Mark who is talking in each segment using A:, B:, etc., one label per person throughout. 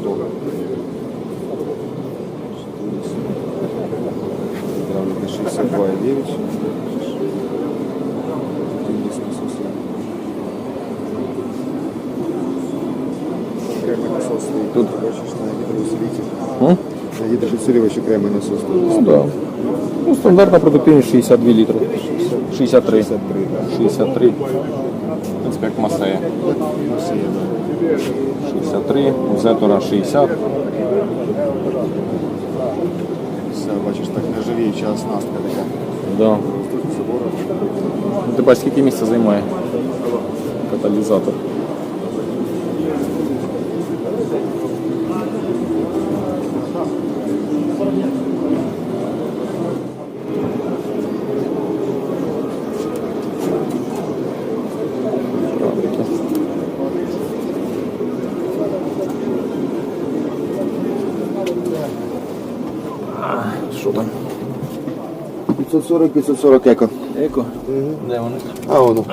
A: Гидравлика 62,9. Тут бачиш на гідроусилителі. На гідроусилювачі окремий насос.
B: Ну, да. Ну, стандартна продуктивність 62 літри. 63. 63. В принципі, як Масея. 63, у Зетора 60.
A: Все, бачиш, так нержавіюча оснастка така.
B: Да. Ну, ти бачиш, скільки місця займає каталізатор. Що там?
A: 540 еко.
B: Еко? Де вони?
A: А, воно.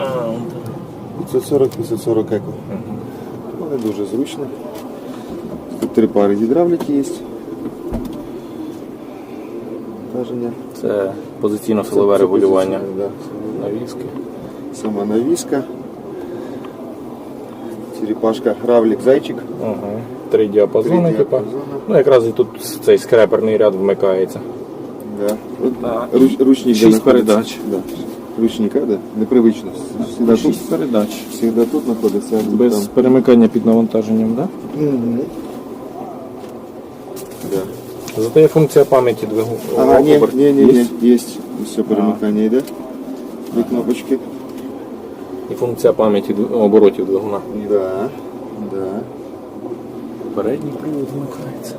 A: 540 еко. Вони дуже зручно. Тут 3 пари гідравліки є. Каження.
B: Це позиційно-силове регулювання.
A: Да.
B: Навіски.
A: Сама навіска. Черепашка, равлик, зайчик.
B: Ага. 3 діапазони,
A: Три
B: типа.
A: діапазони.
B: Ну, якраз і тут цей скреперний ряд вмикається.
A: Да.
B: Да.
A: Ручник.
B: 6 передач.
A: Да. Ручника, да? Непривично. Всегда
B: 6 передач.
A: Всегда тут знаходиться. А тут
B: Без
A: там.
B: перемикання під навантаженням, так? Да?
A: Да.
B: Зато є функція пам'яті двигуна.
A: Ага, є. Все перемикання йде. Дві кнопочки.
B: І функція пам'яті оборотів двигуна.
A: Да.
B: Передній привод вмикається.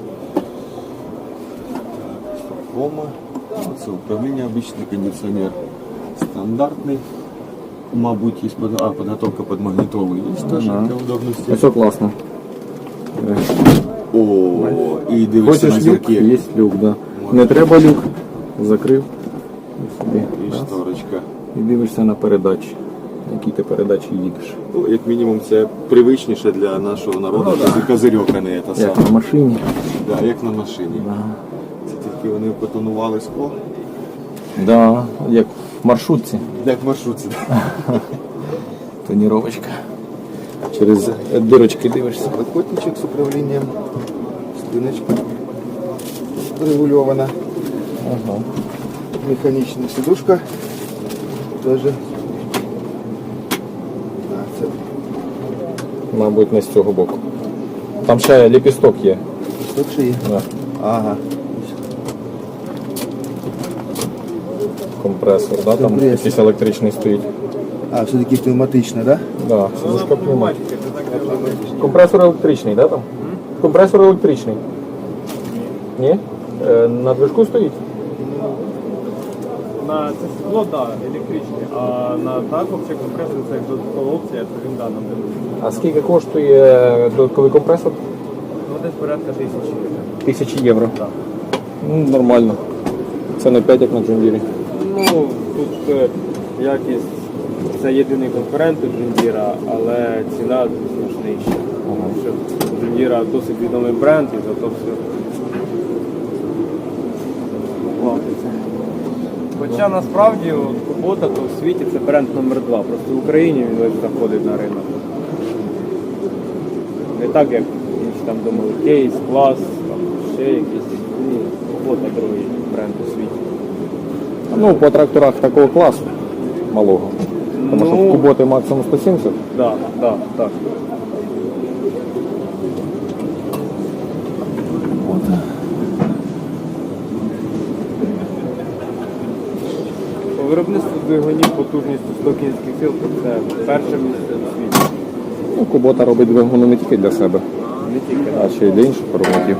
A: Кома. Це управління, обичний кондиціонер. Стандартний. Мабуть, є підготовка під магнітолу. Є теж для удобності.
B: Все класно.
A: О, і дивишся на
B: Хочеш люк?
A: зірки.
B: Є люк, да. Не треба люк. Закрив. І собі.
A: І
B: Раз.
A: шторочка.
B: І дивишся на передачі. Які ти передачі їдеш.
A: Ну, як мінімум, це привичніше для нашого народу. Це козирьок, а не це
B: Як
A: саме.
B: на машині.
A: Да, як на машині.
B: Да.
A: Це тільки вони потонували скло.
B: Да, як в маршрутці.
A: Як в маршрутці.
B: Тоніровочка. Через дирочки дивишся.
A: Підлокотничок з управлінням. Спиночка регульована.
B: Ага.
A: Механічна сидушка. Даже. Це
B: Мабуть, не з цього боку. Там ще ліпісток є.
A: тут ще є.
B: Да.
A: Ага.
B: Компресор, да? Там
A: Компресор.
B: якийсь електричний стоїть.
A: А, все-таки пневматична, да?
B: Да, сидушка пневматика. Компресор електричний, да, там? Компресор електричний. Ні? На движку стоїть?
C: На це сідло, так, електричне, а на так взагалі компресор це як додаткова опція, то він да, нам дає.
B: А скільки коштує додатковий компресор?
C: Ну десь порядка 1000 євро.
B: 1000 євро.
C: Так.
B: Ну, нормально. Це не 5, як на Джундірі.
C: Ну, тут якість, це єдиний конкурент у Джундіра, але ціна значно нижча. Тому що Джундіра досить відомий бренд і зато все платиться. Хоча насправді Кубота то в світі це бренд номер 2, просто в Україні він ось заходить на ринок. Не так, як інші там думали, Кейс, Клас, там ще якісь. Ні, Кубота другий бренд у світі.
B: Ну, по тракторах такого класу малого. Тому що в Куботи максимум 170.
C: Так. По виробництву двигунів потужністю 100 кінських сил це перше місце у світі.
B: Ну, Кубота робить двигуни не тільки для себе,
C: Не тільки.
B: а ще й для інших виробників.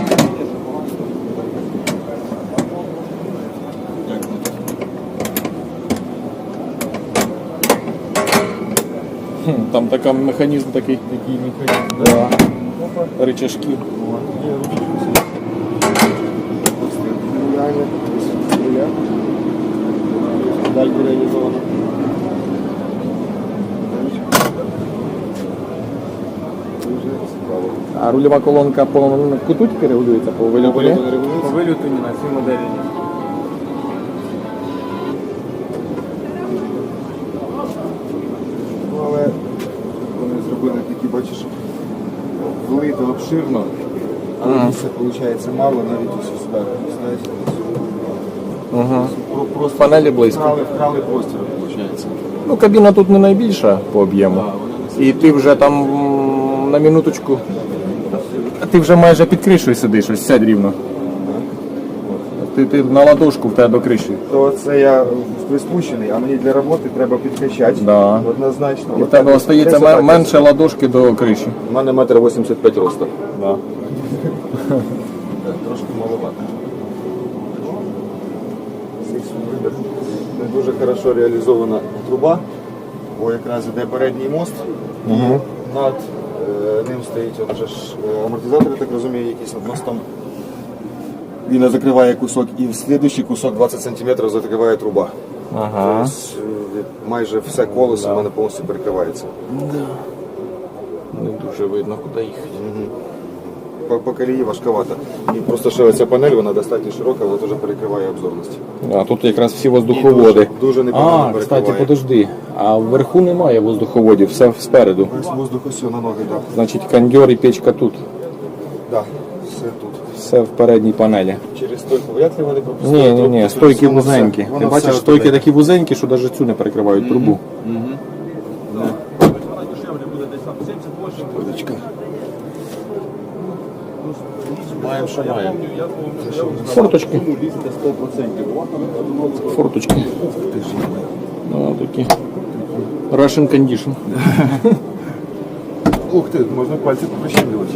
B: Там така механізм такий.
C: Такий механізм.
B: Да. Рычажки.
A: Даль реалізована. Дуже цікаво.
B: А рульова колонка по куту тільки регулюється, по вильоту ні?
C: По вилюту ні, на цій моделі ні.
A: Ну, але вони зробили такі, бачиш, влито обширно, але місця виходить мало, навіть ось сюди. Знаєте,
B: Угу.
A: просто
B: Панелі близько.
A: вкрали простір, виходить.
B: Ну, кабіна тут не найбільша по об'єму. І ти вже там на минуточку. Ти вже майже під кришею сидиш, ось сядь рівно. Ти на ладошку в тебе до криші.
A: То це я приспущений, а мені для роботи треба підкачати.
B: Да.
A: Однозначно.
B: І в тебе остається менше ладошки до криші.
A: У мене 1,85 м росту.
B: Да.
A: Трошки маловато. Не дуже хорошо реалізована труба, бо якраз іде передній мост, і над ним стоїть от вже ж амортизатор, я так розумію, якийсь над мостом. Він закриває кусок, і в слідуючий кусок 20 см закриває труба.
B: Ага.
A: Тобто, майже все колесо в мене повністю перекривається.
B: Не дуже видно, куди їхати.
A: По колії важковато. І просто ще оця панель, вона достатньо широка, але теж перекриває обзорність.
B: А тут якраз всі воздуховоди.
A: Дуже непогано
B: А,
A: перекриває.
B: кстати, подожди. А вверху немає воздуховодів, все спереду.
A: Весь воздух ось на ноги, так.
B: Значить, кондьор і печка тут.
A: Да, все тут.
B: Все в передній панелі.
A: Через стойку вряд ли вони пропустили.
B: Ні, ні, ні,
A: Тобто,
B: стойки
A: воно все-
B: вузенькі.
A: воно
B: Ти
A: все
B: бачиш,
A: от
B: стойки
A: туди.
B: такі вузенькі, що навіть цю не перекривають трубу.
A: Водичка. Маємо, що маємо.
B: Форточки. Форточки. Ну, такі. Russian condition.
A: Ух ти, можна пальці прищемлювати.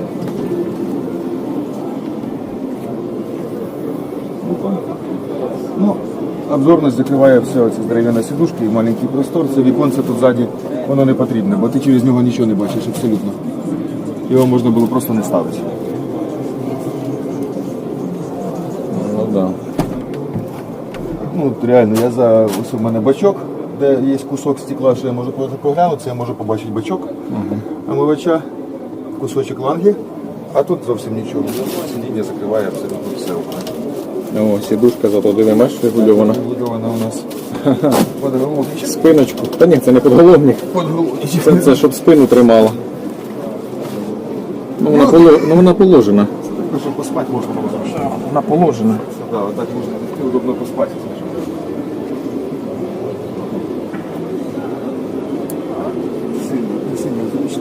A: Ну, обзорність закриває все, оці дерев'яна сідушка і маленький простор. Це віконце тут ззаді, воно не потрібне, бо ти через нього нічого не бачиш абсолютно. Його можна було просто не ставити.
B: Ну да.
A: Ну, от реально, ось у мене бачок, де є кусок стекла, що я можу проглянутися, я можу побачити бачок, омивача, кусочок ланги, а тут зовсім нічого. Сидіння закриває абсолютно все.
B: О, сідушка зато диви, бачиш, регульована.
A: Вибудована у нас подголовничок.
B: Спиночку. Та ні, це не подголовник. Це щоб спину тримало. Ну, вона положена.
A: Щоб поспати можна було зручно.
B: Вона положена.
A: Да, отак можна удобно поспати. Сильно зручно.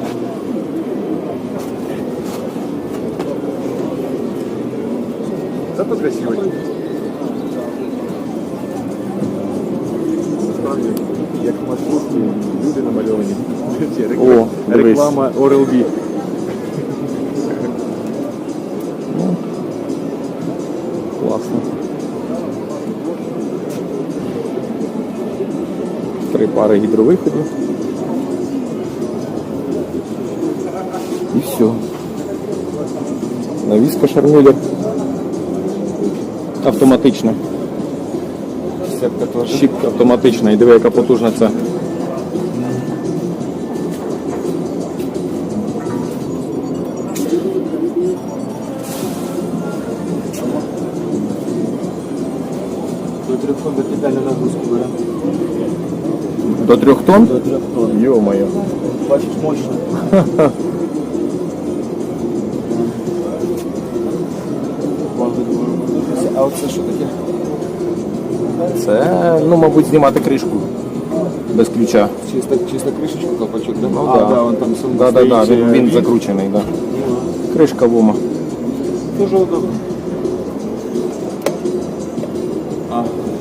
A: Зато красиво. Насправді, як маршрутки, люди намальовані.
B: О, дивись.
A: Реклама Oral-B.
B: Класно. 3 пари гідровиходів. І все. Навіска шармюлер. Автоматична.
A: Сепка теж.
B: Щіпка автоматична. І диви, яка потужна ця.
A: До 3 тонн вертикальну нагрузку бере.
B: До 3 тонн?
A: До 3 тонн.
B: Йо-моє.
A: Бачиш, мощно. А оце що таке?
B: Це, ну, мабуть, знімати кришку. Без ключа.
A: Чисто кришечку, колпачок, да?
B: Ну,
A: А,
B: да.
A: да, он там сам
B: Да,
A: стоїть,
B: він закручений, да. Кришка вома.
A: Дуже удобно. А.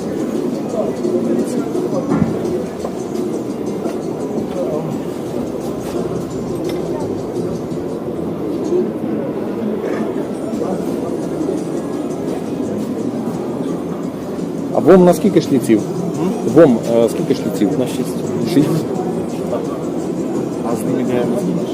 B: А ВОМ на скільки шліців? ВОМ скільки шліців?
A: На 6.
B: 6.
A: А з ними не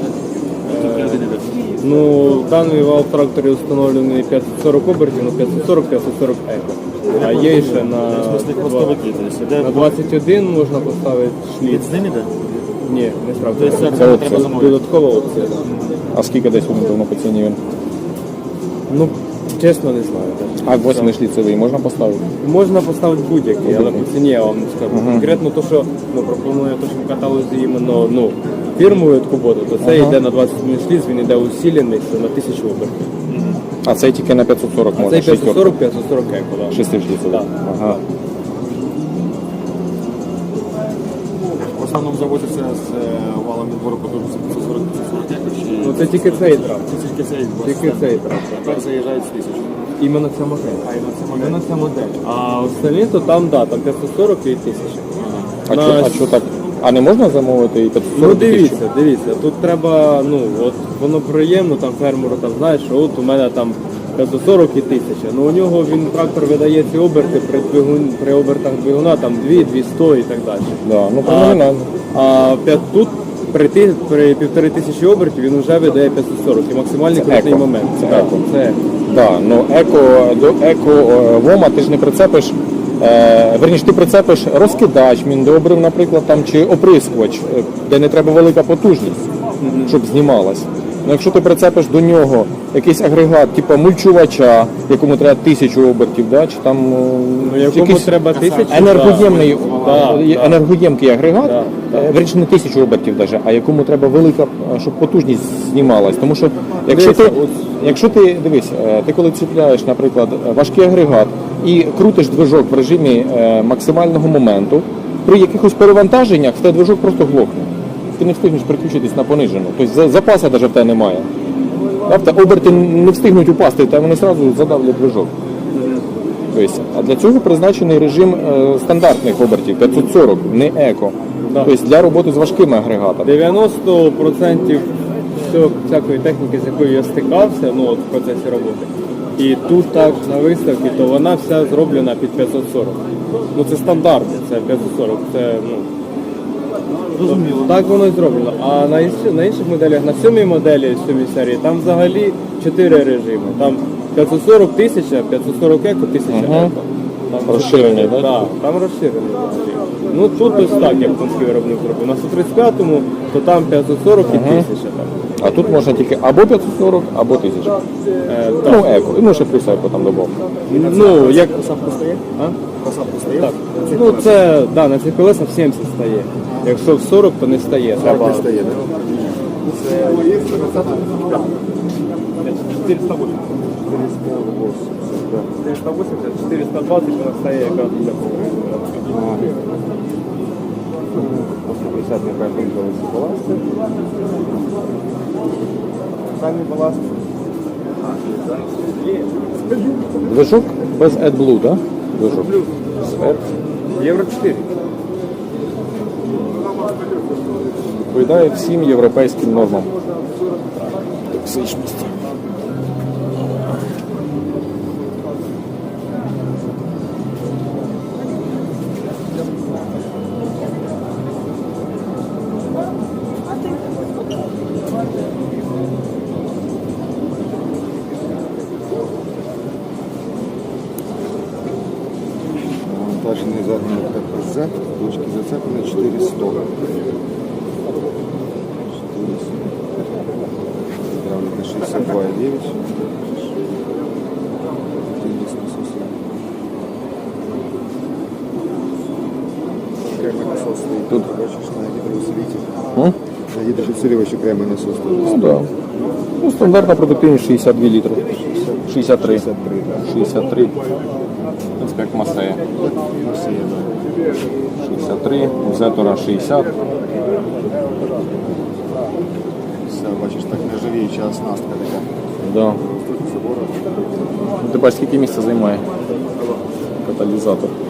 C: Ну, даний вал в тракторі встановлений 540 обертів, ну 540 еко. А є ще на 21 можна поставити шліц.
A: з ними, да?
C: Ні, не справді.
A: Тобто це
B: Це
A: треба
B: опція.
A: замовити.
C: Додаткова опція.
B: А скільки десь орієнтовно по ціні він?
C: Ну, чесно, не знаю. так.
B: А 8-шліцевий можна поставити?
C: Можна поставити будь-який, але по ціні я вам не скажу. Конкретно то, що пропонує то, що в каталозі іменно фірмову куботу, то це йде на 21 шліц, він йде усилений, це на 1000 обертів.
B: А цей тільки на 540
C: А
B: можна?
C: цей 540 еко, так.
B: 6-шліцевий.
C: Так.
B: Ага.
A: В основному завозиться з валом відбору потужності 540 чи
C: Ну це тільки цей трап.
A: тільки цей
C: Тільки цей трап.
A: тепер заїжджають з 1000.
C: Іменно ця модель. Іменно ця модель. А остальні, то там, да, там 540 і 1000.
B: А що так? А не можна замовити і 540
C: Ну
B: тисяч?
C: дивіться, тут треба, от воно приємно, там фермеру там знаєш, що от у мене там 540 і 1000. Ну у нього він трактор видає ці оберти при обертах двигуна там 2, 200 і так далі.
B: Да, ну феноменально.
C: А тут при 1500 обертів він вже видає 540 і максимальний
B: Це
C: крутний
B: еко.
C: момент.
B: Це
C: Так,
B: еко.
C: це еко.
B: Да, ну до еко-вома ти ж не прицепиш, верніше ти прицепиш розкидач, міндобрив, наприклад, там, чи оприскувач, де не треба велика потужність, щоб знімалась. Ну, якщо ти прицепиш до нього якийсь агрегат, типу мульчувача, якому треба 1000 обертів, да, чи там
C: Ну якому
B: якийсь
C: треба 1000,
B: енергоємний,
C: да, да.
B: енергоємкий агрегат,
C: Да,
B: верніше не 1000 обертів даже, а якому треба велика, щоб потужність знімалась. Тому що якщо ти дивись, ти коли ціпляєш, наприклад, важкий агрегат і крутиш движок в режимі максимального моменту, при якихось перевантаженнях в тебе движок просто глохне. Ти не встигнеш переключитись на понижену. Тобто запасу навіть в тебе немає. Тобто оберти не встигнуть упасти, та вони одразу задавлять движок. Тобто, а для цього призначений режим стандартних обертів 540, не еко.
C: Да.
B: Тобто для роботи з важкими агрегатами.
C: 90% всякої техніки, з якою я стикався, ну от в процесі роботи. І тут так на виставці, то вона вся зроблена під 540. Ну це стандартно, це 540. Це так воно і зроблено. А на інших моделях, на 7-й моделі, 7-й серії, там взагалі 4 режими. Там 540 1000, 540 еко, 1000 еко. Там
B: Розширений, так?
C: Так, там розширений. Ну тут ось так, як панський виробник зробив. На 135-му, то там 540 і 1000 там.
B: А тут можна тільки або 540, або 1000. Ну, еко. Ну, ще плюс еко там добав.
C: Ну, як...
A: Посадку стає?
C: А?
A: Посадку стає?
C: Так. Ну це, да, на цих колесах 70 стає. Якщо в 40, то не стає. Треба...
A: Не стає, так? Це 480.
C: 480, 420 вона стає якраз для повного.
A: 150 не кажуть, баласт. Самі баласт.
B: Движок без AdBlue, так? Движок.
C: Євро 4.
B: Відповідає всім європейським нормам. Токсичності.
A: Монтажний задній КПЗ, точки зацеплені 400. Гидравлика 62,9. Окремий насос стоїть. Тут бачиш на гідроусилителі. На гідроусилювач окремий насос
B: Ну,
A: стоїть.
B: да. Ну, стандартна продуктивність 62 літри. 63. 63. В принципі, як Масея. 63, у Зетора 60.
A: Все, бачиш, так нержавіюча оснастка така.
B: Да. Ну, ти бачиш, скільки місця займає каталізатор.